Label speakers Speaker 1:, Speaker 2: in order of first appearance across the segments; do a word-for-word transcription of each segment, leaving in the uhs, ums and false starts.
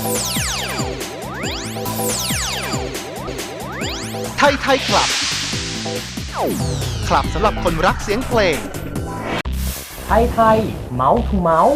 Speaker 1: ไทยไทยคลับ คลับสำหรับคนรักเสียงเพลง
Speaker 2: ไทยไทยเมาส์ทูเมาส์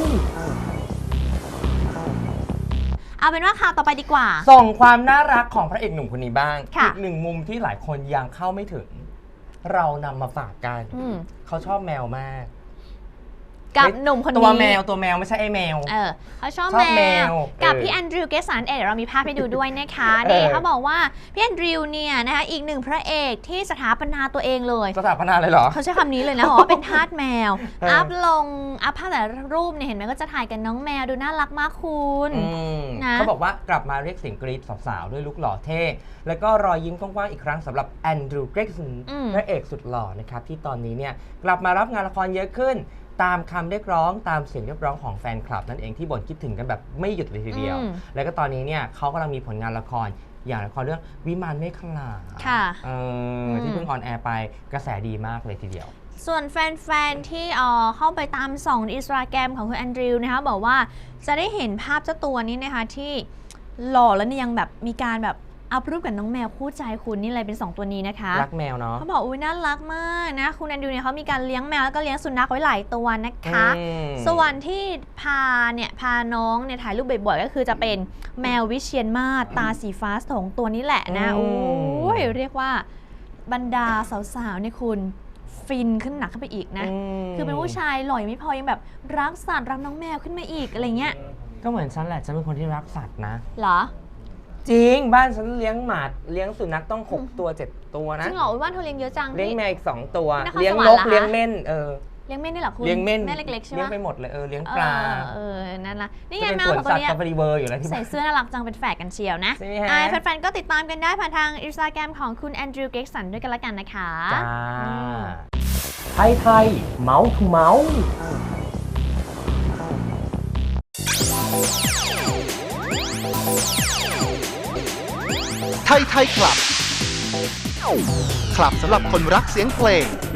Speaker 3: เอาเป็นว่าข่าวต่อไปดีกว่า
Speaker 2: ส่งความน่ารักของพระเอกหนุ่มคนนี้บ้าง
Speaker 3: อี
Speaker 2: กหนึ่งมุมที่หลายคนยังเข้าไม่ถึงเรานำมาฝากกันเขาชอบแมวมาก
Speaker 3: กับหนุ่มคนนี้
Speaker 2: ตัวแมวตัวแมวไม่ใช่ไอ้แมว
Speaker 3: เออเขาชอบแมวกับพี่แอนดริวเกสันเอเดี๋ยวเรามีภาพให้ดูด้วยนะคะนี่เขาบอกว่าพี่แอนดริวเนี่ยนะคะอีกหนึ่งพระเอกที่สถาปนาตัวเองเลย
Speaker 2: สถาปนาเลยเหรอ
Speaker 3: เขาใช้คำนี้เลยนะบอกว่าเป็นทาสแมวอัพลงอัพภาพแต่รูปเนี่ยเห็นไหมก็จะถ่ายกันน้องแมวดูน่ารักมากคุณ
Speaker 2: นะเขาบอกว่ากลับมาเรียกเสียงกรี๊ดสาวๆด้วยลุคหล่อเท่แล้วก็รอยยิ้มกว้างๆอีกครั้งสำหรับแอนดริวเกสันพระเอกสุดหล่อนะครับที่ตอนนี้เนี่ยกลับมารับงานละครเยอะขึ้นตามคำเรียกร้องตามเสียงเรียกร้องของแฟนคลับนั่นเองที่บ่นคิดถึงกันแบบไม่หยุดเลยทีเดียวแล้วก็ตอนนี้เนี่ยเขากำลังมีผลงานละครอย่างละครเรื่องวิมานเมฆลาที่เพิ่งออนแอร์ไปกระแสดีมากเลยทีเดียว
Speaker 3: ส่วนแฟนๆที่เข้าไปตามส่องอินสตาแกรมของคุณแอนดริวนะคะบอกว่าจะได้เห็นภาพเจ้าตัวนี้นะคะที่หล่อแล้วยังแบบมีการแบบเอารูปกับน้องแมวคู่ใจคุณนี่เลยเป็นสองตัวนี้นะคะ
Speaker 2: รักแมวเนาะ
Speaker 3: เขาบอกอุ้ยน่ารักมากนะคุณแอนดริวเนี่ยเขามีการเลี้ยงแมวแล้วก็เลี้ยงสุนัขไว้หลายตัวนะคะส่วนที่พาเนี่ยพาน้องเนี่ยถ่ายรูปบ่อยๆก็คือจะเป็นแมววิเชียรมาศตาสีฟ้าสองตัวนี้แหละนะโอ้ยเรียกว่าบรรดาสาวๆเนี่ยคุณฟินขึ้นหนักขึ้นไปอีกนะคือเป็นผู้ชายหล่อยไม่พอยังแบบรักสัตว์รักน้องแมวขึ้นมาอีกอะไรเงี้ย
Speaker 2: ก็เหมือนฉันแหละฉันเป็นคนที่รักสัตว์นะ
Speaker 3: เหรอ
Speaker 2: จริงบ้านฉันเลี้ยงหมาเลี้ยงสุนัขต้องหกตัวเจ็ดตัวนะ
Speaker 3: จริงเหรอบ้านเธอเลี้ยงเยอะจัง
Speaker 2: เลี้ยงแมวอีกสองตัวเลี้ยงนกเลี้ยงเม่นเออ
Speaker 3: เลี้ยงเม่นนี่เหรอคุณ
Speaker 2: เลี้ยงเม่น
Speaker 3: แม่เล็กๆใช่ไหม
Speaker 2: เลี้ยงไปหมดเลยเออเลี้ยงปลา
Speaker 3: เออนั่นละนี่ไงแมวของตัวนี้ใส่เสื้อน่ารักจังเป็นแฝดกันเชียวนะแฟนๆก็ติดตามกันได้ผ่านทางอินสตาแกรมของคุณแอนดริวเกสันด้วยกันละกันนะคะ
Speaker 2: ไทยไทยเมาส์ทูเมาส์
Speaker 1: ไทยไทยคลับ คลับสำหรับคนรักเสียงเพลง